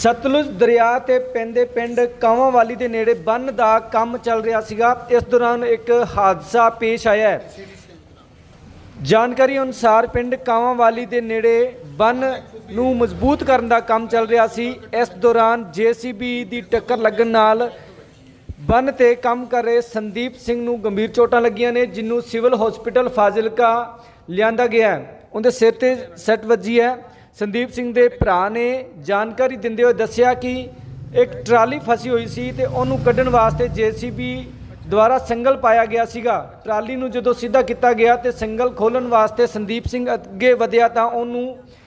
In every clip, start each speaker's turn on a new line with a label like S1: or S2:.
S1: सतलुज दरिया ते पैंदे पिंड कांवावाली के नेड़े बन का काम चल रहा सीगा। इस दौरान एक हादसा पेश आया है। जानकारी अनुसार पिंड कांवावाली के नेड़े बन नूं मजबूत करने का काम चल रहा सी। इस दौरान JCB की टक्कर लगन नाल बन ते काम कर रहे संदीप सिंह नूं गंभीर चोटां लगियां ने, जिन्हों सिविल हॉस्पिटल फाजिलका लिआंदा गया है। उनके सिर ते सट वजी है। संदीप सिंह के भरा ने जानकारी दिंदे हुए दस्सिया कि एक ट्राली फसी हुई सी ते उहनूं कड्ढण वास्ते JCB द्वारा संगल पाया गया सीगा। ट्राली नूं जदों सीधा किया गया तो संगल खोलण वास्ते संदीप सिंह अगे वधिया तां उहनूं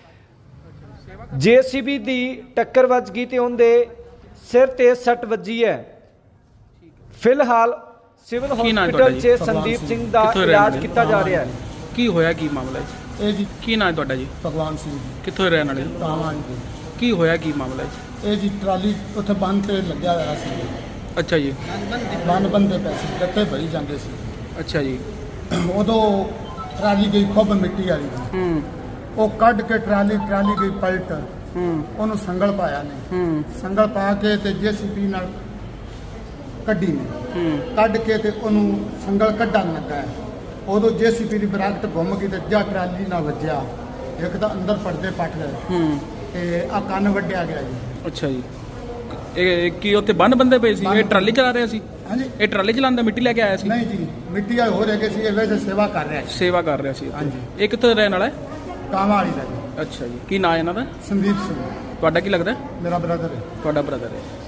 S1: JCB की टक्कर वज गई तो उनके सिर ते सट वजी है। फिलहाल सिविल हॉस्पिटल से संदीप सिंह का इलाज किया जा रहा है।
S2: की होया की मामला है
S3: ਇਹ ਜੀ
S2: की नाम है तुहाडा जी?
S3: ਭਗਵਾਨ ਸਿੰਘ ਜੀ
S2: कित्थों रहने वाले?
S3: ਕਾਵਾਂ ਜੀ।
S2: की होया की मामला है?
S3: ਇਹ ਜੀ ਟਰਾਲੀ ਉੱਥੇ ਬੰਨ ਤੇ ਲੱਗਿਆ ਹੋਇਆ ਸੀ।
S2: अच्छा जी,
S3: ਬੰਨ ਬੰਦੇ ਪਏ ਸੀ, ਗੱਟੇ ਭਰੀ ਜਾਂਦੇ ਸੀ।
S2: अच्छा जी।
S3: ਉਦੋਂ ਟਰਾਲੀ ਗਈ ਖੁੱਬ ਮਿੱਟੀ ਵਾਲੀ ਦੀ। ਉਹ ਕੱਢ ਕੇ ਟਰਾਲੀ ਗਈ ਪਲਟ। ਉਹਨੂੰ ਸੰਗਲ ਪਾਇਆ ਨੇ। ਸੰਗਲ ਪਾ ਕੇ ਤੇ JCB ਨਾਲ ਕੱਢੀ ਨੇ। ਕੱਢ ਕੇ ਤੇ ਉਹਨੂੰ ਸੰਗਲ ਕੱਢਣ ਲੱਗਾ ਹੈ। ਉਦੋਂ JCB ਦੀ ਬਰਾਕਟ ਘੁੰਮ ਗਈ ਤੇ ਜਾਂ ਟਰਾਲੀ ਨਾਲ ਵੱਜਿਆ। ਇੱਕ ਤਾਂ ਅੰਦਰ ਪਰਦੇ ਪੱਟ ਗਏ ਤੇ ਆ ਕੰਨ ਵੱਢਿਆ ਗਿਆ ਜੀ।
S2: अच्छा जी। ਇਹ ਕੀ ਉੱਥੇ ਬੰਨ ਬੰਦੇ ਪਏ ਸੀ? ਇਹ ਟਰਾਲੀ ਚਲਾ ਰਿਹਾ ਸੀ?
S3: ਹਾਂਜੀ
S2: ਇਹ ਟਰਾਲੀ ਚਲਾਉਂਦਾ ਮਿੱਟੀ ਲੈ ਕੇ ਆਇਆ ਸੀ?
S3: ਨਹੀਂ ਜੀ, ਮਿੱਟੀ ਵਾਲੇ ਹੋ ਰਹੇ ਸੀ। ਇਹ ਵੈਸੇ ਸੇਵਾ ਕਰ ਰਿਹਾ ਸੀ।
S2: ਸੇਵਾ ਕਰ ਰਿਹਾ ਸੀ ਉੱਥੇ।
S3: ਹਾਂਜੀ।
S2: ਇਹ ਕਿੱਥੋਂ ਰਹਿਣ ਵਾਲਾ ਹੈ?
S3: ਕਾਵਾਂ ਵਾਲੀ ਦਾ ਜੀ।
S2: ਅੱਛਾ ਜੀ। ਕੀ ਨਾਂ ਹੈ ਇਹਨਾਂ ਦਾ?
S3: ਸੰਦੀਪ ਸਿੰਘ
S2: ਤੁਹਾਡਾ ਕੀ ਲੱਗਦਾ?
S3: ਮੇਰਾ ਬ੍ਰਦਰ ਹੈ।
S2: ਤੁਹਾਡਾ ਬ੍ਰਦਰ ਹੈ।